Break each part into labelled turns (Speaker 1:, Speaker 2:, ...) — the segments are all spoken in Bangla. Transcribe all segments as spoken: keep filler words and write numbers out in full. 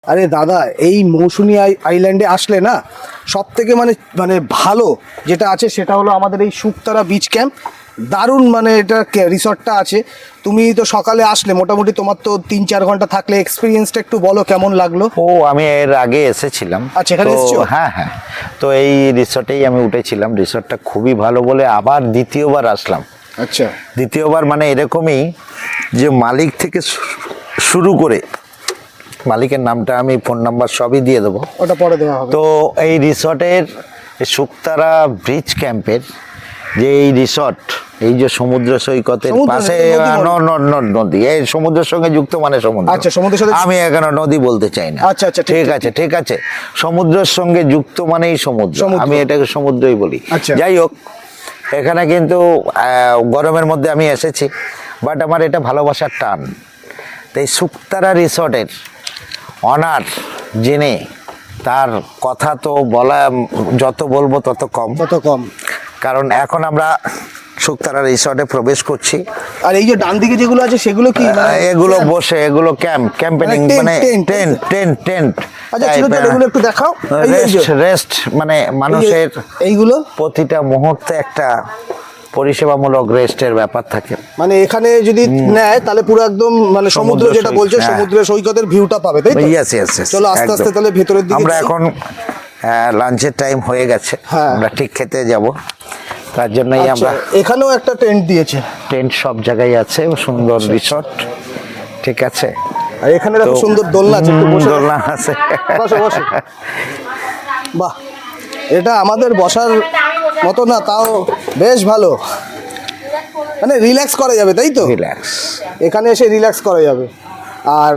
Speaker 1: আরে দাদা, এই মৌসুমী আইল্যান্ডে আসলে না সব থেকে মানে মানে ভালো যেটা আছে সেটা হলো আমাদের এই শুকতারা বিচ ক্যাম্প। দারুণ মানে এটা রিসর্টটা আছে। তুমি তো সকালে আসলে, মোটামুটি তোমার তো তিন চার ঘন্টা থাকলে এক্সপিরিয়েন্সটা একটু বলো কেমন লাগলো।
Speaker 2: ও আমি এর আগে এসেছিলাম।
Speaker 1: আচ্ছা, এখানে
Speaker 2: তো
Speaker 1: এসেছো?
Speaker 2: হ্যাঁ হ্যাঁ, তো এই রিসর্টেই আমি উঠেছিলাম। রিসর্টটা খুবই ভালো বলে আবার দ্বিতীয়বার আসলাম।
Speaker 1: আচ্ছা,
Speaker 2: দ্বিতীয়বার মানে এরকমই যে মালিক থেকে শু- শুরু করে মালিকের নামটা আমি ফোন নাম্বার সবই দিয়ে দেবো।
Speaker 1: ওটা পরে দেওয়া হবে।
Speaker 2: তো এই রিসর্টের শুকতারা ব্রিজ ক্যাম্পের যে এই রিসর্ট, এই যে সমুদ্র সৈকতের
Speaker 1: সমুদ্র
Speaker 2: পাশে
Speaker 1: নদী বলো।
Speaker 2: ন- ন- ন- নদী, এই সমুদ্রের সঙ্গে যুক্ত মানে সমুদ্র।
Speaker 1: আচ্ছা, সমুদ্রের সাথে-
Speaker 2: আমি এখানে নদী বলতে চাই না।
Speaker 1: আচ্ছা, আচ্ছা, ঠিক,
Speaker 2: ঠিক
Speaker 1: ঠিক,
Speaker 2: আছে ঠিক আছে, সমুদ্রের সঙ্গে যুক্ত মানেই সমুদ্র,
Speaker 1: সমুদ্র।
Speaker 2: আমি এটাকে সমুদ্রই বলি।
Speaker 1: আচ্ছা।
Speaker 2: যাই হোক, এখানে কিন্তু আহ, গরমের মধ্যে আমি এসেছি, বাট আমার এটা ভালোবাসার টান। তো এই শুকতারা রিসর্টের অনার জেনে তার কথা তো বলা, যত বলবো তত কম,
Speaker 1: কত কম।
Speaker 2: কারণ এখন আমরা শুকতারা রিসর্টে প্রবেশ করছি।
Speaker 1: আর এই যে ডান দিকে যেগুলো আছে সেগুলো কি মানে-
Speaker 2: এগুলো বসে, এগুলো ক্যাম্প ক্যাম্পেনিং
Speaker 1: মানে tent,
Speaker 2: মানে
Speaker 1: tent,
Speaker 2: টেন্ট টেন্ট টেন্ট
Speaker 1: আচ্ছা, ছিল তো, এগুলো একটু দেখাও। এই যে- এই যে-
Speaker 2: রেস্ট রেস্ট মানে
Speaker 1: এই যে-
Speaker 2: মানুষের
Speaker 1: এইগুলো
Speaker 2: প্রতিটা মুহূর্তে একটা পরিষেবামূলক রেস্টের ব্যাপার থাকে।
Speaker 1: মানে এখানে যদি নেয় তাহলে পুরো একদম মানে সমুদ্র
Speaker 2: সমুদ্র
Speaker 1: যেটা
Speaker 2: সৈকত,
Speaker 1: বলছে
Speaker 2: হ্যাঁ।
Speaker 1: সমুদ্রের সৈকতের ভিউটা পাবে, তাই তো?
Speaker 2: ইয়েস ইয়েস ইয়েস,
Speaker 1: চলো আস্তে আস্তে তাহলে ভেতরের দিকে
Speaker 2: আমরা
Speaker 1: যাই।
Speaker 2: এখন লাঞ্চের টাইম হয়ে গেছে,
Speaker 1: হ্যাঁ।
Speaker 2: আমরা ঠিক খেতে যাব, তার জন্যই
Speaker 1: আচ্ছা,
Speaker 2: আমরা
Speaker 1: এখানেও একটা টেন্ট দিয়েছে।
Speaker 2: টেন্ট সব জায়গায় আছে, সুন্দর রিসর্ট, ঠিক আছে।
Speaker 1: আর এখানে দেখো
Speaker 2: তো-
Speaker 1: সুন্দর দোলনা আছে, একটু বসে
Speaker 2: দোলনা আছে।
Speaker 1: বসো বসো। বাহ, এটা আমাদের বসার মতো না, তাও বেশ ভালো, মানে রিল্যাক্স করা যাবে, তাই তো?
Speaker 2: রিল্যাক্স।
Speaker 1: এখানে এসে রিল্যাক্স করা যাবে। আর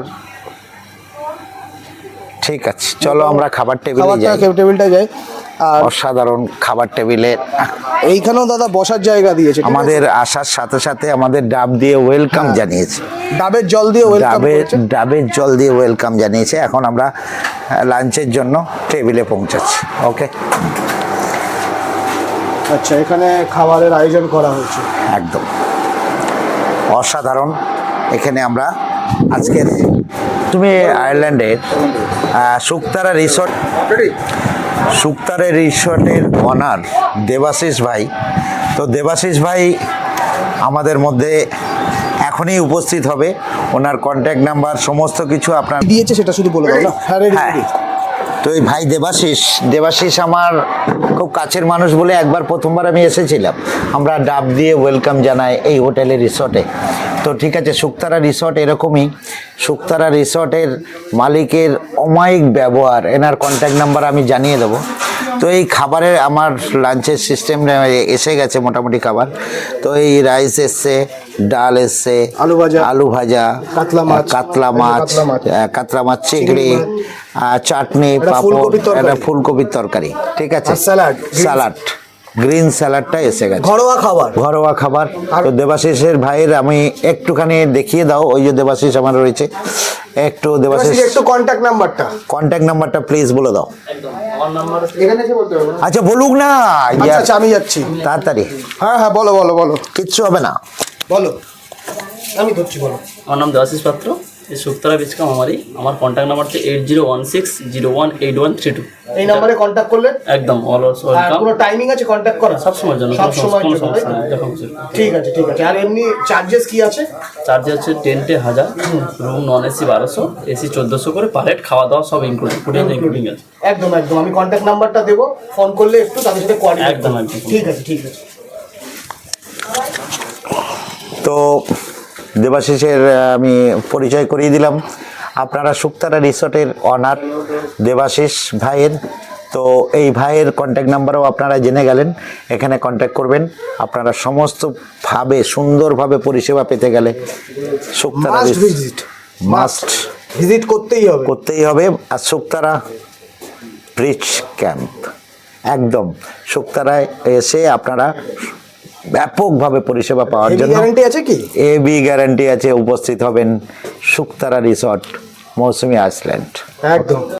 Speaker 2: ঠিক আছে, চলো আমরা খাবার টেবিলে
Speaker 1: খাবারটা
Speaker 2: যাই।
Speaker 1: টেবিলটা যাই। আর
Speaker 2: অসাধারণ খাবার টেবিলে
Speaker 1: এইখানেও দাদা বসার জায়গা দিয়েছে, ঠিক আছে?
Speaker 2: আমাদের আসার সাথে সাথে আমাদের ডাব দিয়ে ওয়েলকাম
Speaker 1: হ্যাঁ।
Speaker 2: জানিয়েছে।
Speaker 1: ডাবের জল দিয়ে ওয়েলকাম
Speaker 2: ডাবের
Speaker 1: করেছে।
Speaker 2: ডাবের জল দিয়ে ওয়েলকাম জানিয়েছে। এখন আমরা লাঞ্চের জন্য টেবিলে পৌঁছাচ্ছি। ওকে,
Speaker 1: আচ্ছা, এখানে খাবারের আয়োজন করা হয়েছে।
Speaker 2: একদম অসাধারণ। এখানে আমরা আজকের, তুমি আয়ারল্যান্ডের আহ, শুকতারা রিসর্ট, শুকতারা রিসর্টের অনার দেবাশিস ভাই। তো দেবাশিস ভাই আমাদের মধ্যে এখনই উপস্থিত হবে। ওনার কন্ট্যাক্ট নাম্বার সমস্ত কিছু আপনার
Speaker 1: দিয়েছে সেটা শুধু বলে দাও না। হ্যাঁ, ready,
Speaker 2: হ্যাঁ।
Speaker 1: ready।
Speaker 2: তো এই ভাই দেবাশিস, দেবাশিস আমার খুব কাছের মানুষ বলে একবার প্রথমবার আমি এসেছিলাম। আমরা ডাব দিয়ে ওয়েলকাম জানাই এই হোটেলে, রিসর্টে। তো ঠিক আছে, শুকতারা রিসর্ট এরকমই। শুকতারা রিসর্টের মালিকের অমায়িক ব্যবহার, এনার কন্ট্যাক্ট নাম্বার আমি জানিয়ে দেবো। তো এই খাবারের আমার লাঞ্চের সিস্টেম এসে গেছে মোটামুটি খাবার। তো এই রাইস এসছে, ডাল এসছে,
Speaker 1: আলু ভাজা,
Speaker 2: আলু ভাজা,
Speaker 1: কাতলা মাছ,
Speaker 2: কাতলা মাছ,
Speaker 1: কাতলা মাছ,
Speaker 2: আহ, কাতলা মাছ, চিংড়ি, আহ, চাটনি,
Speaker 1: একটা
Speaker 2: পাঁপড়,
Speaker 1: ফুলকপির তরকারি।
Speaker 2: একটা ফুলকপির তরকারি, ঠিক আছে,
Speaker 1: আর স্যালাড, green-
Speaker 2: স্যালাড, গ্রিন স্যালাডটা এসে গেছে।
Speaker 1: ঘরোয়া খাবার।
Speaker 2: ঘরোয়া খাবার। তো দেবাশিসের ভাইয়ের আমি একটুখানি দেখিয়ে দাও, ওই যে দেবাশিস আমার রয়েছে, একটু দেবাশিস
Speaker 1: একটু কন্ট্যাক্ট নাম্বারটা।
Speaker 2: কন্ট্যাক্ট নাম্বারটা প্লিজ বলে দাও।
Speaker 1: এখানে এসে বলতে হবে না?
Speaker 2: আচ্ছা বলুক না,
Speaker 1: আচ্ছা,
Speaker 2: ইয়ার,
Speaker 1: আচ্ছা, আমি যাচ্ছি।
Speaker 2: তাড়াতাড়ি,
Speaker 1: হ্যাঁ হ্যাঁ, বলো বলো বলো
Speaker 2: কিচ্ছু হবে না।
Speaker 1: বলো, আমি ধরছি, বলো।
Speaker 3: আমার নাম দেবাশিস পাত্র, এই শুকতারা বিচ ক্যাম্প আমারই। আমার কন্ট্যাক্ট নাম্বার হচ্ছে eight zero one six zero one eight one three two.
Speaker 1: এই নাম্বারে কন্ট্যাক্ট করলে
Speaker 3: একদম অলওয়েজ
Speaker 1: আর
Speaker 3: ওয়েলকাম।
Speaker 1: কোনো টাইমিং আছে কন্ট্যাক্ট করা?
Speaker 3: সব সময়ের জন্য,
Speaker 1: সব
Speaker 3: কোনো
Speaker 1: সময়ের
Speaker 3: কোনো
Speaker 1: জন্য,
Speaker 3: সমস্যা
Speaker 1: তাই তো?
Speaker 3: নেই, যখন খুশি।
Speaker 1: ঠিক আছে ঠিক আছে। আর এমনি চার্জেস কি আছে?
Speaker 3: চার্জ হচ্ছে টেন্টে হাজার, রুম নন এসি বারোশো, এসি চোদ্দোশো করে পার হেড, খাওয়া দাওয়া সব ইনক্লুডিং, ফুডিং ইনক্লুডিং আছে।
Speaker 1: একদম একদম, আমি কন্ট্যাক্ট নাম্বারটা দেবো, ফোন করলে একটু তাদের সাথে কোঅর্ডিনেট।
Speaker 3: একদম, একদম।
Speaker 1: ঠিক আছে ঠিক আছে।
Speaker 2: তো দেবাশিসের আহ, আমি পরিচয় করিয়ে দিলাম। আপনারা শুকতারা রিসর্টের অনার দেবাশিস ভাইয়ের। তো এই ভাইয়ের কন্ট্যাক্ট নাম্বারও আপনারা জেনে গেলেন। এখানে কন্ট্যাক্ট করবেন। আপনারা সমস্তভাবে সুন্দরভাবে পরিষেবা পেতে গেলে Shuktara
Speaker 1: must visit,
Speaker 2: must
Speaker 1: visit করতেই হবে।
Speaker 2: করতেই হবে। আর শুকতারা ব্রিজ ক্যাম্প, একদম শুকতারায় এসে আপনারা ব্যাপকভাবে পরিষেবা পাওয়ার
Speaker 1: হেভি
Speaker 2: জন্য
Speaker 1: গ্যারান্টি আছে কি?
Speaker 2: এ বি গ্যারান্টি আছে। উপস্থিত হবেন শুকতারা রিসর্ট, মৌসুমী আইল্যান্ড।
Speaker 1: একদম।